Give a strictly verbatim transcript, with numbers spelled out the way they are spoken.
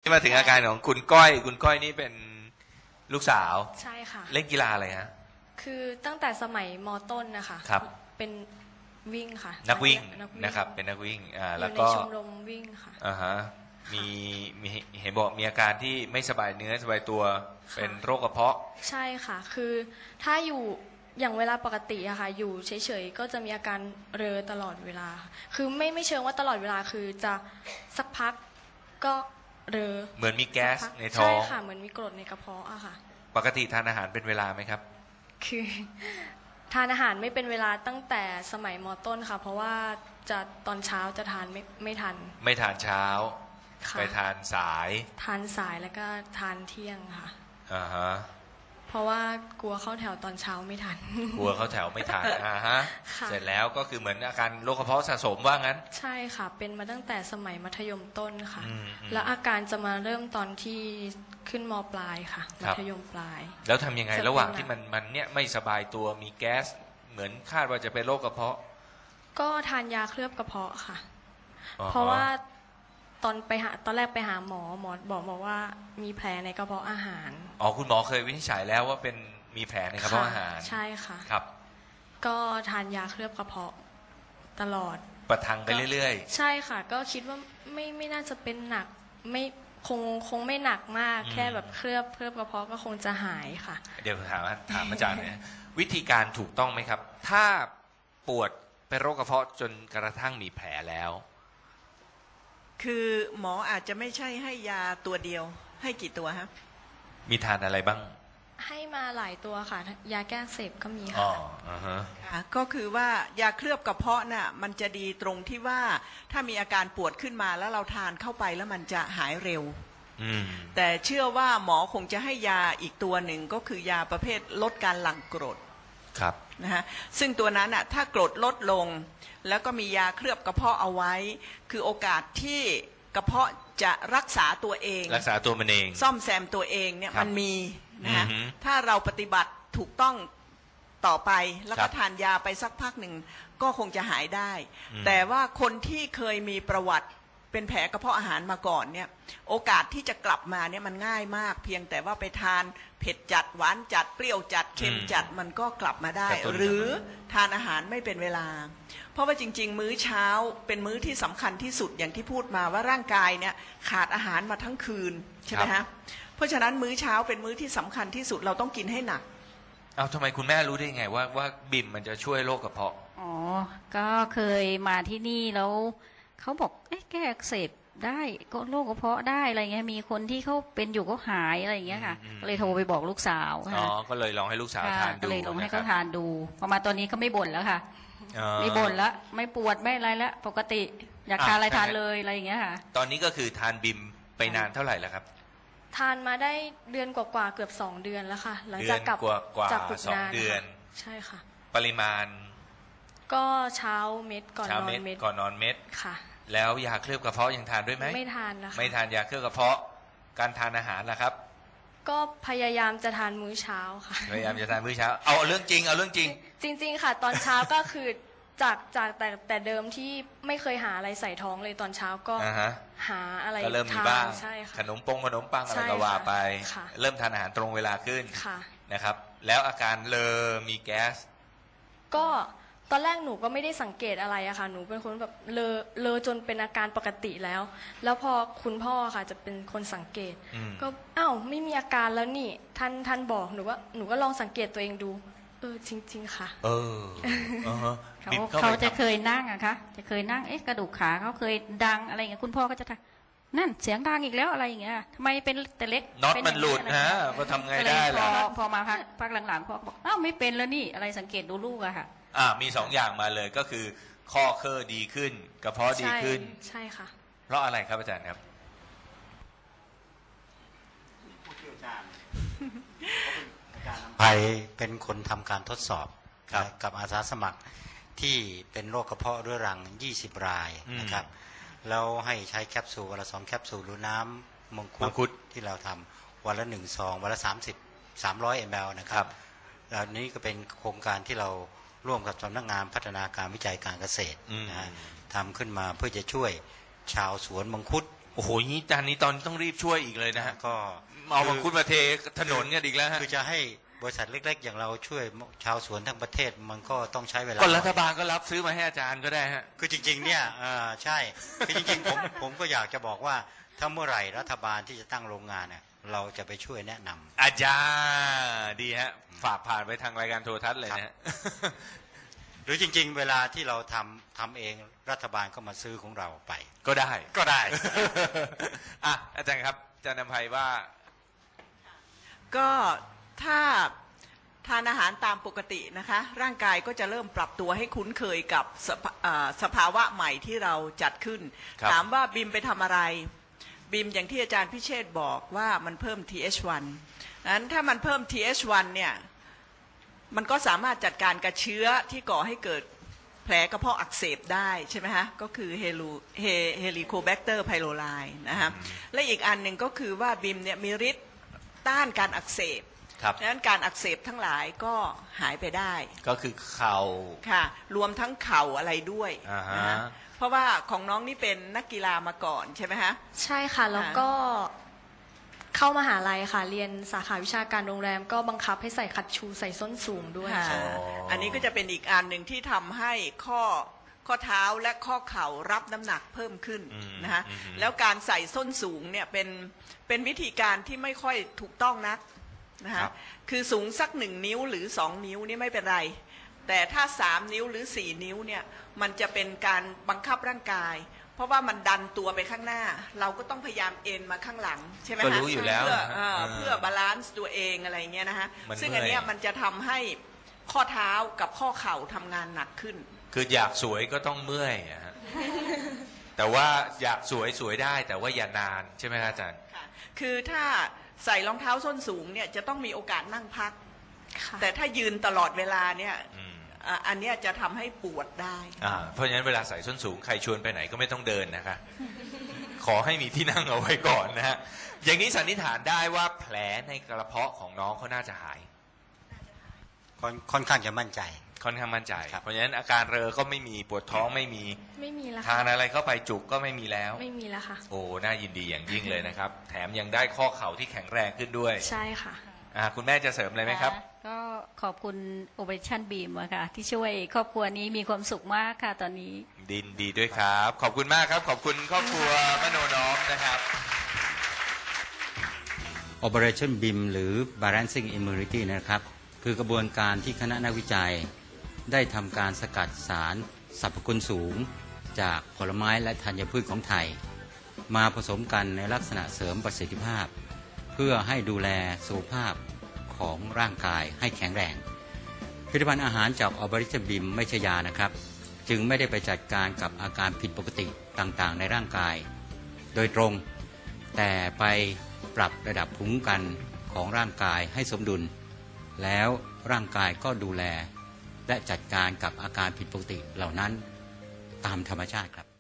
ที่มาถึงอาการของคุณก้อยคุณก้อยนี่เป็นลูกสาวใช่ค่ะเล่นกีฬาอะไรฮะคือตั้งแต่สมัยม.ต้นนะคะครับเป็นวิ่งค่ะนักวิ่งนะครับเป็นนักวิ่งอ่าแล้วก็อยู่ในชมรมวิ่งค่ะอ่าฮะมีมีเห็นบอกมีอาการที่ไม่สบายเนื้อสบายตัวเป็นโรคกระเพาะใช่ค่ะคือถ้าอยู่อย่างเวลาปกติอะค่ะอยู่เฉยๆก็จะมีอาการเรอตลอดเวลาคือไม่ไม่เชิงว่าตลอดเวลาคือจะสักพักก็เรอเหมือนมีแก๊สในท้องใช่ค่ะเหมือนมีกรดในกระเพาะอะค่ะปกติทานอาหารเป็นเวลาไหมครับคือทานอาหารไม่เป็นเวลาตั้งแต่สมัยม.ต้นค่ะเพราะว่าจะตอนเช้าจะทานไม่ไม่ทันไม่ทานเช้าไปทานสายทานสายแล้วก็ทานเที่ยงค่ะอ่าฮะเพราะว่ากลัวเข้าแถวตอนเช้าไม่ทันกลัวเข้าแถวไม่ทันอ่าฮะเสร็จแล้วก็คือเหมือนอาการโรคกระเพาะสะสมว่างั้นใช่ค่ะเป็นมาตั้งแต่สมัยมัธยมต้นค่ะแล้วอาการจะมาเริ่มตอนที่ขึ้นม.ปลายค่ะมัธยมปลายแล้วทำยังไงระหว่างที่มันมันเนี่ยไม่สบายตัวมีแก๊สเหมือนคาดว่าจะเป็นโรคกระเพาะก็ทานยาเคลือบกระเพาะค่ะเพราะว่าตอนไปหาตอนแรกไปหาหมอหมอบอกบอกว่ามีแผลในกระเพาะอาหารอ๋อคุณหมอเคยวินิจฉัยแล้วว่าเป็นมีแผลในกระเพาะอาหารใช่ค่ะครับก็ทานยาเคลือบกระเพาะตลอดประทังไปเรื่อยๆใช่ค่ะก็คิดว่าไม่ไม่น่าจะเป็นหนักไม่คงคงไม่หนักมากแค่แบบเคลือบเคลือบกระเพาะก็คงจะหายค่ะเดี๋ยวถามถามอาจารย์หน่อยวิธีการถูกต้องไหมครับถ้าปวดเป็นโรคกระเพาะจนกระทั่งมีแผลแล้วคือหมออาจจะไม่ใช่ให้ยาตัวเดียวให้กี่ตัวฮะมีทานอะไรบ้างให้มาหลายตัวค่ะยาแก้อักเสบก็มีค่ะอ๋ออ่าฮะก็คือว่ายาเคลือบกระเพาะน่ะมันจะดีตรงที่ว่าถ้ามีอาการปวดขึ้นมาแล้วเราทานเข้าไปแล้วมันจะหายเร็วแต่เชื่อว่าหมอคงจะให้ยาอีกตัวหนึ่งก็คือยาประเภทลดการหลั่งกรดครับนะฮะซึ่งตัวนั้นอ่ะถ้ากรดลดลงแล้วก็มียาเคลือบกระเพาะเอาไว้คือโอกาสที่กระเพาะจะรักษาตัวเองรักษาตัวมันเองซ่อมแซมตัวเองเนี่ยมันมีนะฮะถ้าเราปฏิบัติถูกต้องต่อไปแล้วก็ทานยาไปสักพักหนึ่งก็คงจะหายได้แต่ว่าคนที่เคยมีประวัติเป็นแผลกระเพาะอาหารมาก่อนเนี่ยโอกาสที่จะกลับมาเนี่ยมันง่ายมากเพียงแต่ว่าไปทานเผ็ดจัดหวานจัดเปรี้ยวจัดเค็มจัดมันก็กลับมาได้หรือทานอาหารไม่เป็นเวลาเพราะว่าจริงๆมื้อเช้าเป็นมื้อที่สำคัญที่สุดอย่างที่พูดมาว่าร่างกายเนี่ยขาดอาหารมาทั้งคืนใช่ไหมฮะเพราะฉะนั้นมื้อเช้าเป็นมื้อที่สำคัญที่สุดเราต้องกินให้หนักเอาทำไมคุณแม่รู้ได้ไงว่าว่าบิ่มมันจะช่วยโรคกระเพาะอ๋อก็เคยมาที่นี่แล้วเขาบอกเอ๊ะแก้อักเสบได้ก็โรคกระเพาะได้อะไรเงี้ยมีคนที่เขาเป็นอยู่ก็หายอะไรอย่างเงี้ยค่ะก็เลยโทรไปบอกลูกสาวอ๋อก็เลยลองให้ลูกสาวทานดูก็เลยลองให้เขาทานดูพอมาตอนนี้ก็ไม่บ่นแล้วค่ะไม่บ่นแล้วไม่ปวดไม่อะไรแล้วปกติอยากทานอะไรทานเลยอะไรอย่างเงี้ยค่ะตอนนี้ก็คือทานบิมไปนานเท่าไหร่แล้วครับทานมาได้เดือนกว่าๆเกือบสองเดือนแล้วค่ะหลังจากกลับจากฝึกงานใช่ค่ะปริมาณก็เช้าเม็ดก่อนนอนเม็ดก่อนนอนเม็ดค่ะแล้วยาเคลือบกระเพาะยังทานด้วยไหมไม่ทานนะคะไม่ทานยาเคลือบกระเพาะการทานอาหารนะครับก็พยายามจะทานมื้อเช้าค่ะพยายามจะทานมื้อเช้าเอาเรื่องจริงเอาเรื่องจริงจริงๆค่ะตอนเช้าก็คือจากจากแต่แต่เดิมที่ไม่เคยหาอะไรใส่ท้องเลยตอนเช้าก็หาอะไรก็เริ่มมีบ้างขนมปงขนมปังอะไรก็ว่าไปเริ่มทานอาหารตรงเวลาขึ้นนะครับแล้วอาการเลอมีแก๊สก็ตอนแรกหนูก็ไม่ได้สังเกตอะไรอะค่ะหนูเป็นคนแบบเลอเลอจนเป็นอาการปกติแล้วแล้วพอคุณพ่อค่ะจะเป็นคนสังเกตก็อ้าวไม่มีอาการแล้วนี่ท่านท่านบอกหนูว่าหนูก็ลองสังเกตตัวเองดูเออจริงๆค่ะเออเขาเขาจะเคยนั่งอะคะจะเคยนั่งเอ๊ะกระดูกขาเขาเคยดังอะไรอย่างเงี้ยคุณพ่อก็จะทักนั่นเสียงดังอีกแล้วอะไรอย่างเงี้ยทำไมเป็นแต่เล็กน็อตมันหลุดฮะก็ทำไงได้ล่ะพอมาพักพักหลังๆพ่อบอกอ้าวไม่เป็นแล้วนี่อะไรสังเกตดูลูกอะค่ะอ่ามีสองอย่างมาเลยก็คือข้อเคอดีขึ้นกระเพาะดีขึ้นใช่ค่ะเพราะอะไรครับอาจารย์ครับไปเป็นคนทำการทดสอบกับอาสาสมัครที่เป็นโรคกระเพาะเรื้อรังยี่สิบรายนะครับแล้วให้ใช้แคปซูลวันละสองแคปซูลหรือน้ำมังคุดที่เราทำวันละหนึ่งซองวันละสามสิบสามร้อยมลนะครับแล้วนี้ก็เป็นโครงการที่เราร่วมกับสำนักงานพัฒนาการวิจัยการเกษตรนะฮะทำขึ้นมาเพื่อจะช่วยชาวสวนมังคุดโอ้โหนี้จานนี้ตอนต้องรีบช่วยอีกเลยนะฮะก็เอามังคุดมาเทถนนกันอีกแล้วฮะคือจะให้บริษัทเล็กๆอย่างเราช่วยชาวสวนทั้งประเทศมันก็ต้องใช้เวลาก็รัฐบาลก็รับซื้อมาให้อาจารย์ก็ได้ฮะคือจริงๆเนี่ยอ่าใช่คือจริงๆผมผมก็อยากจะบอกว่าถ้าเมื่อไหร่รัฐบาลที่จะตั้งโรงงานเนี่ยเราจะไปช่วยแนะนำอาจารย์ดีฮะฝากผ่านไปทางรายการโทรทัศน์เลยนะฮะหรือจริงๆเวลาที่เราทำทำเองรัฐบาลก็มาซื้อของเราไปก็ได้ก็ได้อ่ะอาจารย์ครับอาจารย์นำไพว่าก็ถ้าทานอาหารตามปกตินะคะร่างกายก็จะเริ่มปรับตัวให้คุ้นเคยกับสภาอ่าสภาวะใหม่ที่เราจัดขึ้นครับถามว่าบิมไปทำอะไรบิมอย่างที่อาจารย์พิเชษฐ์บอกว่ามันเพิ่ม ที เอช วัน นั้นถ้ามันเพิ่ม ที เอช วัน เนี่ยมันก็สามารถจัดการกับเชื้อที่ก่อให้เกิดแผลกระเพาะอักเสบได้ใช่ไหมฮะก็คือเฮลูเฮเฮลิโคแบคเตอร์ไพโรไลนะฮะและอีกอันหนึ่งก็คือว่าบิมเนี่ยมีฤทธิ์ต้านการอักเสบครับดังนั้นการอักเสบทั้งหลายก็หายไปได้ก็คือเข่าค่ะรวมทั้งเข่าอะไรด้วยอ่าฮะนะฮะเพราะว่าของน้องนี่เป็นนักกีฬามาก่อนใช่ไหมฮะใช่ค่ะ แล้วก็เข้ามหาลัยค่ะ เรียนสาขาวิชาการโรงแรมก็บังคับให้ใส่คัตชูใส่ส้นสูงด้วยค่ะค่ะอันนี้ก็จะเป็นอีกอันหนึ่งที่ทำให้ข้อข้อเท้าและข้อเข่ารับน้ำหนักเพิ่มขึ้นอืมนะฮะอืมแล้วการใส่ส้นสูงเนี่ยเป็นเป็นวิธีการที่ไม่ค่อยถูกต้องนักนะครัฮะบคือสูงสักหนึ่งนิ้วหรือสองนิ้วนี่ไม่เป็นไร แต่ถ้าสามนิ้วหรือสี่นิ้วเนี่ยมันจะเป็นการบังคับร่างกาย เพราะว่ามันดันตัวไปข้างหน้า เราก็ต้องพยายามเอ็นมาข้างหลังใช่ไหมก็ฮะรู้อยู่แล้วเพื่อนะฮะเอ่อเออเพื่อบาลานซ์ตัวเองอะไรเงี้ยนะฮะมันซึ่งอันเนี้ยเมื่อยมันจะทำให้ข้อเท้ากับข้อเข่าทำงานหนักขึ้นคืออยากสวยก็ต้องเมื่อยอะฮะ แต่ว่าอยากสวยสวยได้ แต่ว่าอย่านานใช่ไหมครับอาจารย์ค่ะคือถ้าใส่รองเท้าส้นสูงเนี่ยจะต้องมีโอกาสนั่งพักค่ะแต่ถ้ายืนตลอดเวลาเนี่ยอืมอ่ะอันเนี้ยจะทำให้ปวดได้อ่าเพราะฉะนั้นเวลาใส่ส้นสูงใครชวนไปไหนก็ไม่ต้องเดินนะคะ ขอให้มีที่นั่งเอาไว้ก่อนนะฮะอย่างนี้สันนิษฐานได้ว่าแผลในกระเพาะของน้องเขาน่าจะหายค่อนค่อนข้างจะมั่นใจค่อนข้างมั่นใจครับเพราะฉะนั้นอาการเรอก็ไม่มีปวดท้องไม่มีไม่มีแล้วทาค่ะนอะไรเข้าไปจุกก็ไม่มีแล้วไม่มีแล้วค่ะโอ้น่ายินดีอย่างยิ่งเลยนะครับ แถมยังได้ข้อเข่าที่แข็งแรงขึ้นด้วยใช่ค่ะอ่าคุณแม่จะเสริมอะไรไหมครับก็ขอบคุณ Operation Beam อะค่ะที่ช่วยครอบครัวนี้มีความสุขมากค่ะตอนนี้ดินดีด้วยครับ ขอบคุณมากครับ ขอบคุณครอบครัวมโนน้อมนะครับ Operationบี เอ เอ็ม หรือ Balancing Immunity นะครับ คือกระบวนการที่คณะนักวิจัย ได้ทำการสกัดสารสรรพคุณสูง จากผลไม้และธัญพืชของไทย มาผสมกันในลักษณะเสริมประสิทธิภาพ เพื่อให้ดูแลสุขภาพของร่างกายให้แข็งแรง ผลิตภัณฑ์อาหารจาก Operationบี เอ็ม ไม่ใช่ยานะครับ จึงไม่ได้ไปจัดการกับอาการผิดปกติต่างๆ ในร่างกาย โดยตรง แต่ไปปรับระดับภูมิคุ้มกันของร่างกายให้สมดุล แล้วร่างกายก็ดูแล และจัดการกับอาการผิดปกติเหล่านั้นตามธรรมชาติครับ